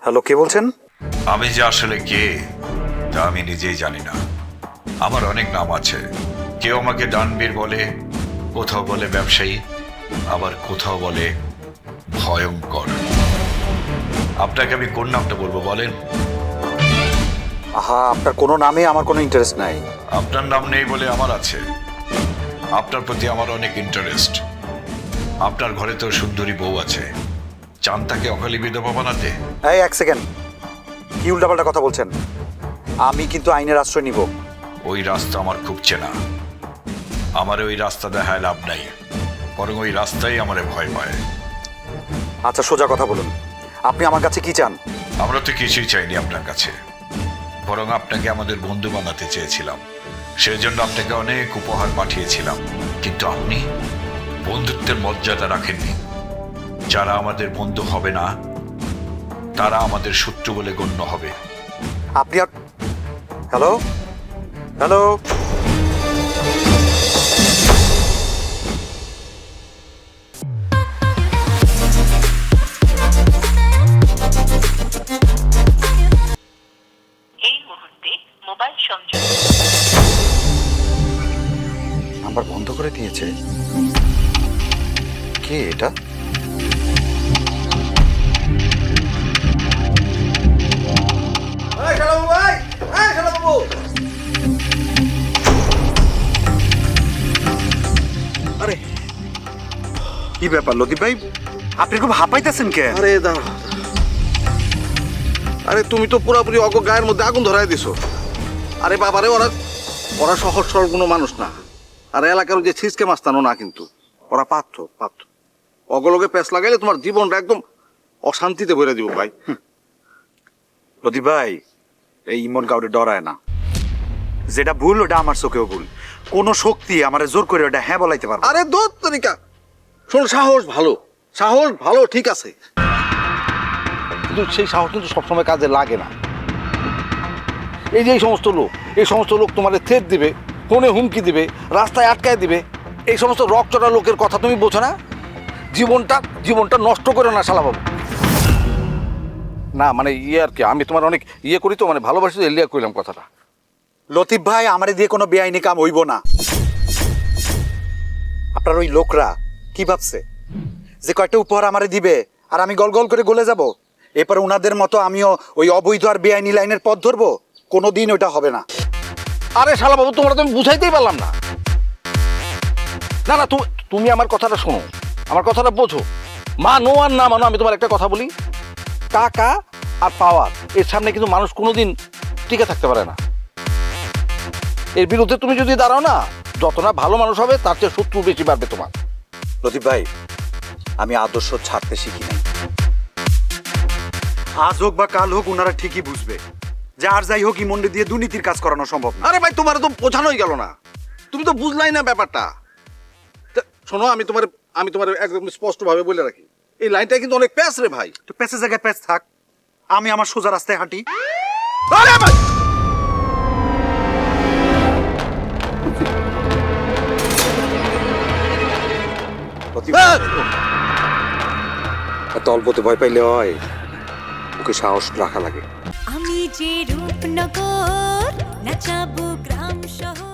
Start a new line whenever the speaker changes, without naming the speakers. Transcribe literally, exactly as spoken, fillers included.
Hello, কে বলছেন?
আমি যে আসলে কে তা আমি নিজেই জানি না। আমার অনেক নাম আছে। কেউ আমাকে ডানবীর বলে, কোথাও বলে ব্যবসায়ী, আবার কোথাও বলে ভয়ঙ্কর। আপনাকে আমি কোন নামটা বলবো বলেন?
আহা, আপনার কোনো নামে আমার কোনো ইন্টারেস্ট নাই।
আপনার নাম নেই বলে আমার আছে। আপনার প্রতি আমার অনেক ইন্টারেস্ট। আপনার ঘরে তো সুন্দরী বউ আছে, চান তাকে অকালি বিধবা বানাতে?
এই এক সেকেন্ড, কি উল্টাপাল্টা কথা বলছেন? আমি কিন্তু আইনের আশ্রয় নিব।
ওই রাস্তা আমার খুব চেনা। আমার ওই রাস্তা দেখায় লাভ নাই, বরং ওই রাস্তাই আমারে ভয় পায়।
আচ্ছা, সোজা কথা বলুন, আপনি আমার কাছে কি চান?
আমরা তো কিছুই চাইনি আপনার কাছে, বরং আপনাকে আমাদের বন্ধু বানাতে চেয়েছিলাম। সেজন্য আপনাকে অনেক উপহার পাঠিয়েছিলাম, কিন্তু আপনি বন্ধুত্বের মর্যাদা রাখেননি। যারা আমাদের বন্ধু হবে না তারা আমাদের শত্রু বলে গণ্য হবে।
আপনি আর হ্যালো হ্যালো
এই মুহূর্তে মোবাইল সংযোগ
নাম্বার বন্ধ করে দিয়েছে। কে এটা? আরে কি ব্যাপার লতিফ ভাই, আপনি খুব হাঁপাইতেছেন কেন?
আরে দাঁড়া, আরে তুমি তো পুরোপুরি অগ গায়ের মধ্যে আগুন ধরাই দিছো। আরে বাবারে, ওরা ওরা সহজ সরল কোনো মানুষ না। আর এলাকার যে ছিসকে মাস্তানো না, কিন্তু ওরা পাত্র পাত্র অগলগে প্যাঁচ লাগাইলে তোমার জীবনটা একদম অশান্তিতে ভরে দিব ভাই।
লতিফ ভাই, এই ইমন কাউরে ডরায় না। যেটা ভুল ওটা আমার চোখেও ভুল। কোনো শক্তি আমার জোর করে ওটা হ্যাঁ বলাইতে পারবে না।
আরে দোত তরিকা, শোন, সাহস ভালো, সাহস ভালো, ঠিক আছে, কিন্তু সেই সাহস কিন্তু সবসময় কাজে লাগে না। এই যে এই সমস্ত লোক এই সমস্ত লোক তোমাদের থ্রেট দিবে, ফোনে হুমকি দিবে, রাস্তায় আটকায় দিবে, এই সমস্ত রকচটা লোকের কথা তুমি বোঝো না? জীবনটা জীবনটা নষ্ট করে না শালাবাবু। না মানে ইয়ে আর কি, আমি তোমার অনেক ইয়ে করি তো, মানে ভালোবাসি তো, এলিয়া কইলাম কথাটা।
লতিফ ভাই, আমারে দিয়ে কোনো বেআইনি কাম হইব না। আপনার ওই লোকরা কি ভাবছে যে কয়েকটা উপহার আমারে দিবে আর আমি গল গল করে গলে যাব? এরপর উনাদের মতো আমিও ওই অবৈধ আর বেআইনি লাইনের পথ ধরবো? কোনো দিন ওটা হবে না।
আরে শালাবাবু, তোমরা তো আমি বুঝাইতেই পারলাম না। না না, তুমি তুমি আমার কথাটা শোনো, আমার কথাটা বোঝো। মানো আর না মানো, আমি তোমার একটা কথা বলি, টাকা আর পাওয়ার এর সামনে কিন্তু মানুষ কোনোদিন টিকে থাকতে পারে না। এর বিরুদ্ধে তুমি যদি দাঁড়াও না, যত না ভালো মানুষ হবে তার চেয়ে শত্রু বেশি বাড়বে তোমার।
লতিফ ভাই, আমি আদর্শ ছাড়তে শিখি নাই। আজ হোক বা কাল হোক ওনারা ঠিকই বুঝবে যে আর যাই হোক ইমন্ডে দিয়ে দুর্নীতির কাজ করানো সম্ভব না।
আরে ভাই, তোমার তো বোঝানোই গেল না, তুমি তো বুঝলাই না ব্যাপারটা। তা শোনো, আমি তোমার আমি তোমার একদম স্পষ্টভাবে বলে রাখি, এই লাইনটা কিন্তু অনেক প্যাস রে ভাই।
তো প্যাসে জায়গায় প্যাচ থাক, আমি আমার সোজা রাস্তায় হাঁটি।
আরে ভাই,
লতিফ ভাই, এত অল্পতে ভয় পাইলে হয়? ওকে সাহস রাখা লাগে।
আমি যে রূপনগর নাচাবো গ্রাম শহর।